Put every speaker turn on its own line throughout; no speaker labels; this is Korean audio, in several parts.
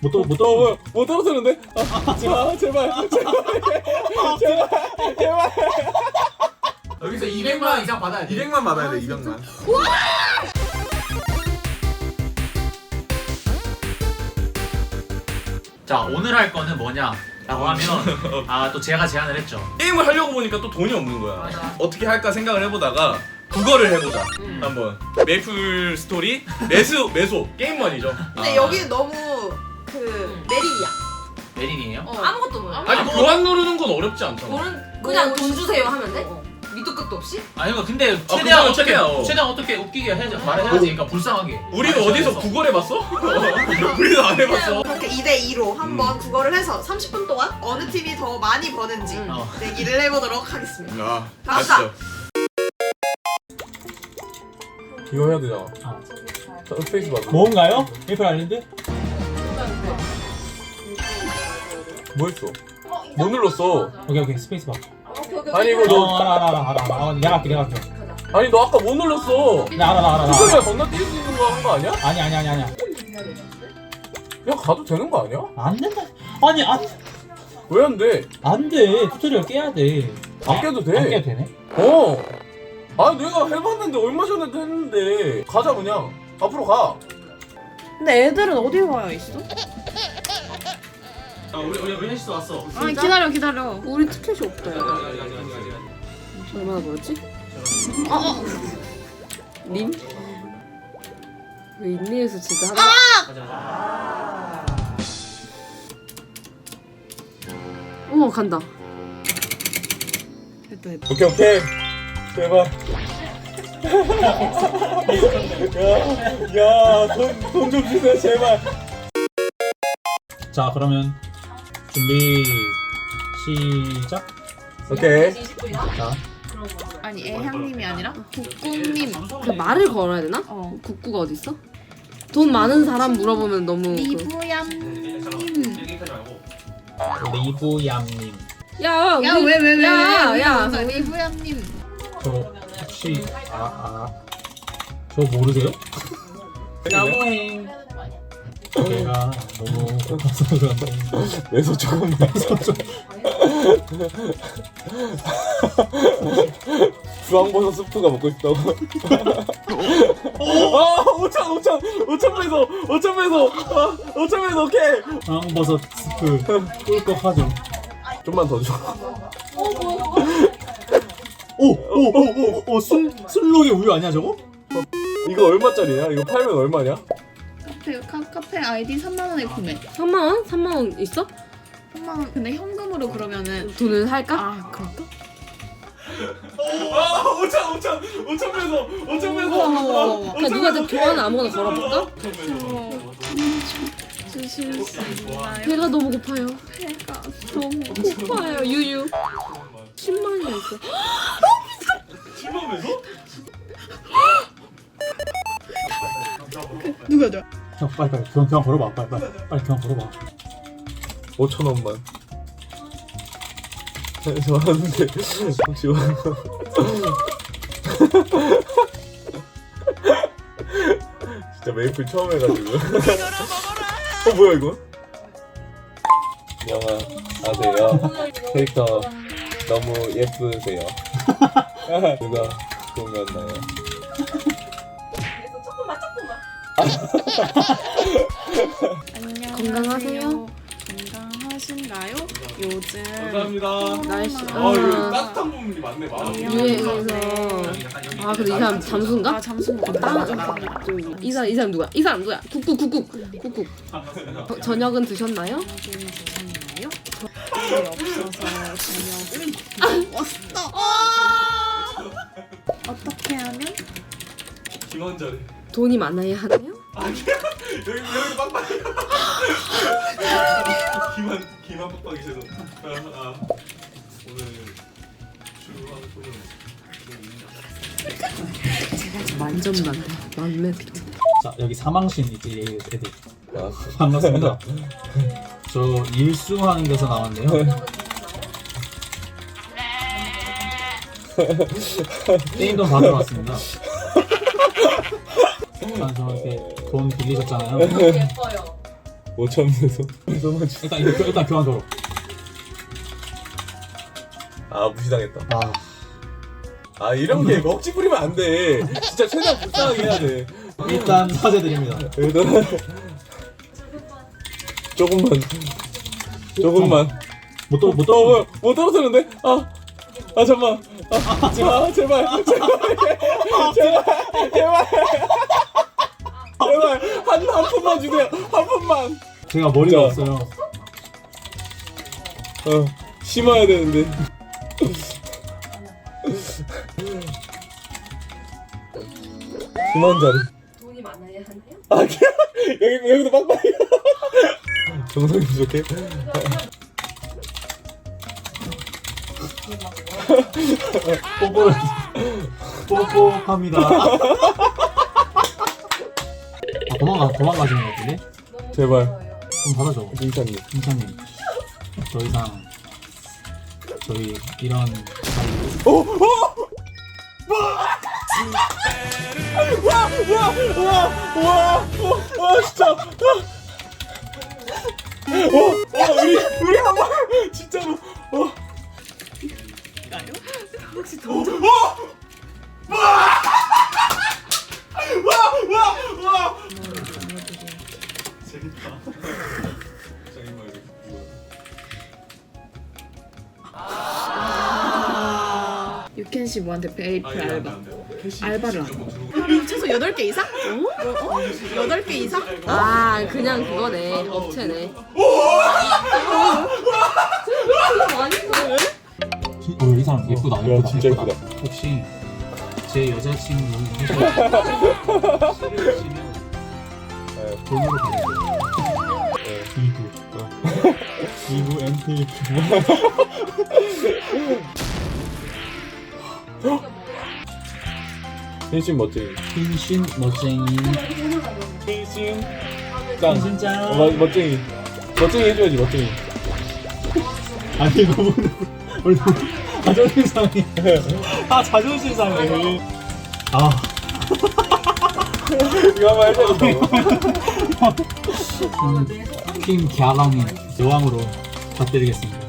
못 떨어뜨는데? 제발.
여기서 200만 이상 받아야 돼.
200만 받아야 돼. 200만.
자, 오늘 할 거는 뭐냐라고 하면 또 제가 제안을 했죠.
게임을 하려고 보니까 또 돈이 없는 거야. 어떻게 할까 생각을 해보다가 국어를 해보자. 한번 메이플 스토리 매소 게임만이죠.
근데 여기 너무 그 내리야.
메린이에요?
아무것도 몰라.
아니 교환 누르는 건 어렵지 않잖아.
그냥 돈 주세요 하면 돼? 밑도 끝도 없이?
아니 근데
그거는
최대한
최대한,
최대한 어떻게 웃기게 말해야지. 그러니까 불쌍하게.
우리는 어디서 국어를 해봤어? 우리는 안 해봤어.
그렇게 2대2로 한번 국어를 해서 30분 동안 어느 팀이 더 많이 버는지 내기를 해보도록 하겠습니다.
아,
갑시다.
맞죠.
이거 해야 되잖아. 스페이스 바.
뭔가요? 메이플 아일랜드?
뭐 했어? 못 눌렀어.
오케이 스페이스 바.
아니 이거 너
알아. 내가 할게.
아니 너 아까 못 눌렀어.
나 알아.
뚜껑이가 건너뛸 수 있는 거 한 거 아니야?
아니야.
그냥 가도 되는 거 아니야?
안 된다. 아니
왜 안 돼?
안 돼. 튜토리얼 깨야 돼.
안 깨도 돼.
안 깨도 되네.
아니 내가 해봤는데 얼마 전에도 했는데 가자 그냥. 앞으로 가.
근데 애들은 어디 와 있어?
우리 혜시도 왔어.
아니 기다려.
우리 티켓이 없다. 얼마나 벌었지? 님? 왜 인내해서 진짜 하나? 어머 간다. 됐다.
오케이. 제발. 돈 좀 주세요 제발.
자 그러면 준비 시작.
오케이.
자
아니 애향님이 아니라 국국님.
그 말을 걸어야 되나? 국구가 어디 있어? 돈 많은 사람 물어보면 너무
리부얌님.
리부얌님.
야
왜?
야.
리부얌님.
저 혹시 저 모르세요? 나무행. 제가 너무 고파서 그런데
왜서 조금 주황버섯 스프가 먹고 싶다고. 5,000 배속 오케이.
황버섯 스프 꿀꺽하죠.
좀만 더 줘.
오 술록의 우유 아니야 저거?
이거 얼마짜리야? 이거 팔면 얼마냐?
카페 아이디 3만원에 구매.
3만 원? 3만 원 있어?
3만원. 근데 현금으로 그러면은
돈을 살까?
그럴까?
5,000 배속
그냥 누구한테 교환을 아무거나 걸어볼까?
주실 수 있나요?
배가 너무 고파요.
배가
너무 고파요. 유유. 10만 원이나 있어.
10만 배속?
누구야?
형 빨리 교환 걸어봐. 빨리 교환 걸어봐.
5,000원만. 좋아하는데 혹시 진짜 메이플 처음 해가지고. 뭐야 이거? 영아 아세요? 캐릭터 너무 예쁘세요. 누가 꾸몄나요?
건강하세요?
건강하신가요? 요즘
감사합니다.
날씨.
이거 따뜻한 부분이 많네.
유해해서. 근데 이 사람 잠수인가?
잠수 먹고 나가잖아.
이 사람 누구야? 이 사람 누구야? 국국. 저녁은 드셨나요?
드셨나요? 돈이 없어서 저녁은 왔어. 어떻게 하면?
김원절에.
돈이 많아야 하나요?
여기 빡빡이. 기만 빡빡이 죄송. 오늘 출근하는 소년.
만점만. 만렙.
자 여기 사망신 이제 애들
나왔어.
반갑습니다. 저 일수하는 데서 나왔네요. 게임도 받으러 왔습니다. 저한테 돈 빌리셨잖아요.
예뻐요.
5,000에서
일단 교환 걸어.
아 무시당했다.
아,
아 이런 게 억지 부리면 안 돼. 진짜 최대한 불쌍하게 해야 돼.
일단 사죄드립니다.
일단 조금만.
못 떨어.
못 떨어뜨는데? 아 잠만. 제발. 한 푼만 주세요. 한 푼만.
제가 머리가
자.
없어요.
심어야 되는데. 심한 자리.
돈이 많아야 하나요?
여기도 빡빡해. 정성이 부족해.
뽀뽀합니다. 도망가시는 것 같은데?
제발.
좀 받아줘.
민찬님.
hincha님. 더 이상 저희 이런 사이.
와 진짜. 우리 한 번 진짜로.
혹시 던져? 유켄씨 뭐한테 베이플 알바를 하고 최소 8개 이상? 8개 이상?
아 그냥 그거네 업체네.
이 사람 예쁘다.
야, 진짜 예쁘다.
혹시 제 여자친구 싫으시면 돈으로 받으세요. 2부 MT.
흰신 멋쟁이.
흰신 멋쟁이.
흰신 짱.
흰신
멋쟁이. 멋쟁이 해줘야지 멋쟁이.
아니 너무 오늘 자존심 상해. 자존심 상해.
이거 한번 해줘야 된다고.
팀 갸랑이 여왕으로 받드리겠습니다.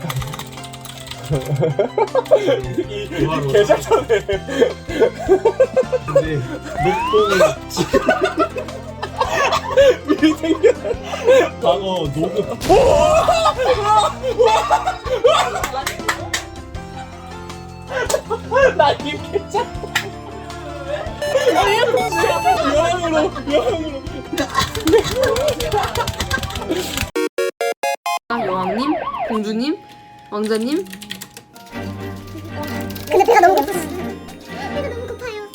개작전에.
근데 녹봉을
미리 생겨.
방어 녹음.
나 입겠자. 여왕으로.
여왕님, 공주님, 왕자님.
근데 배가 너무 고팠어. 배가 너무 고파요.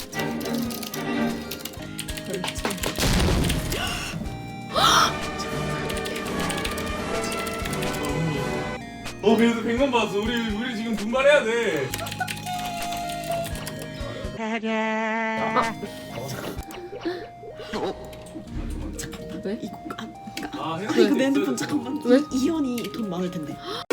그래서 100만 받았어. 우리 지금 분발해야 돼.
왜?
이거 내 핸드폰 잠깐만.
왜?
이현이 돈 많을 텐데.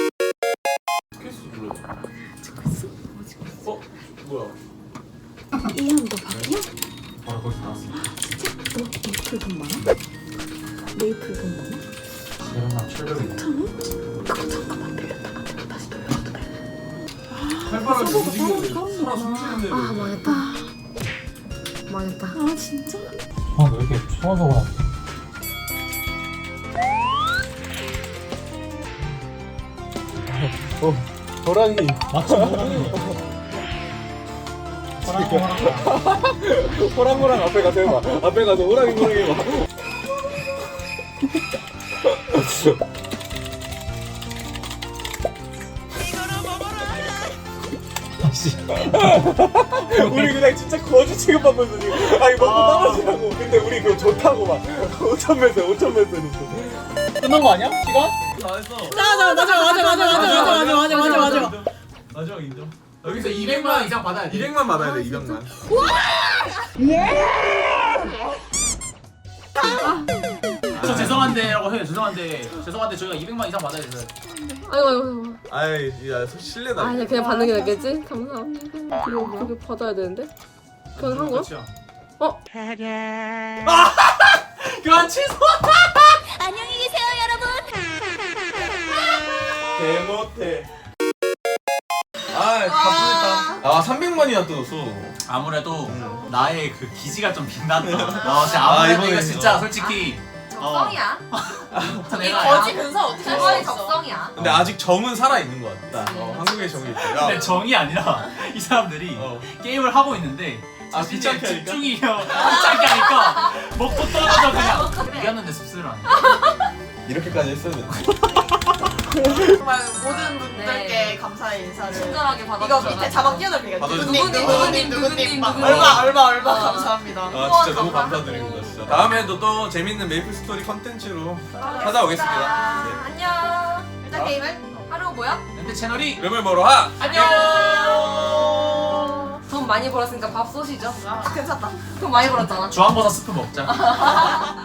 뭐야?
이현 너 바뀌야?
바로 거기서 나왔어.
너 메이플 돈 많아? 메이플 돈 많아?
내가 700원.
5,000원? 그거 잠깐만 빌렸다가 내가 다시 돌려줘도 돼?
칼바람
서버가
움직이는데
따로
사람 숨쉬는데.
아 망했다. 망했다.
아 진짜?
왜 이렇게 소원소원하지?
호랑이.
마치
호랑호랑 앞에 가서 해봐. 앞에 가서 호랑이 해봐. 우리 그냥 진짜 거지 취급하면서 지금 아니 먹고 떨어지라고. 근데 우리 그거 좋다고 막 5,000m
끝난 거 아니야? 시간?
다 했어.
맞아.
마지막 인정.
여기서 200만 원 이상 받아야 돼.
200만 받아야 돼. 200만.
저 죄송한데라고 해요. 죄송한데 저희가 200만 이상 받아야 돼서.
아이고.
아이, 야, 실례다.
아 그냥 받는 게 낫겠지? 감사합니다. 그거 받아야 되는데. 그건 한 거야?
그렇죠.
어?
교환 취소.
안녕히 계세요, 여러분.
개못해. 아 바쁘겠다. 아 300만이나 뜯었어.
아무래도 나의 그 기지가 좀 빛났다. 진짜
아,
아무래도
이번에
이거 진짜
어.
솔직히
적성이야.
이
내가
거지 근사 어떻게 할
최고의
수 있어?
적성이야.
근데 아직 정은 살아 있는 것 같다. 한국의 정이 있다. 야.
근데 정이 아니라 이 사람들이
어.
게임을 하고 있는데
아,
자신의
귀찮게 하니까?
집중이 귀찮게 하니까 먹고 떨어져 그냥. 이겼는데 씁쓸하네.
이렇게까지 했어야 돼.
정말 모든 분들께
네.
감사의 인사를.
친절하게 받아.
이거 밑에 자막 띄워드릴게요.
받아주세요.
누구님 막
누구님.
얼마 감사합니다.
아 진짜 너무 감사드립니다. 진짜. 다음에도 또 재밌는 메이플 스토리 컨텐츠로 찾아오겠습니다. 네.
안녕.
일단 게임을
하루 뭐야?
근데 채널이
름을 보러 하.
안녕. 돈 많이 벌었으니까 밥 쏘시죠.
괜찮다.
돈 많이 벌었잖아.
주황버섯 스프 먹자.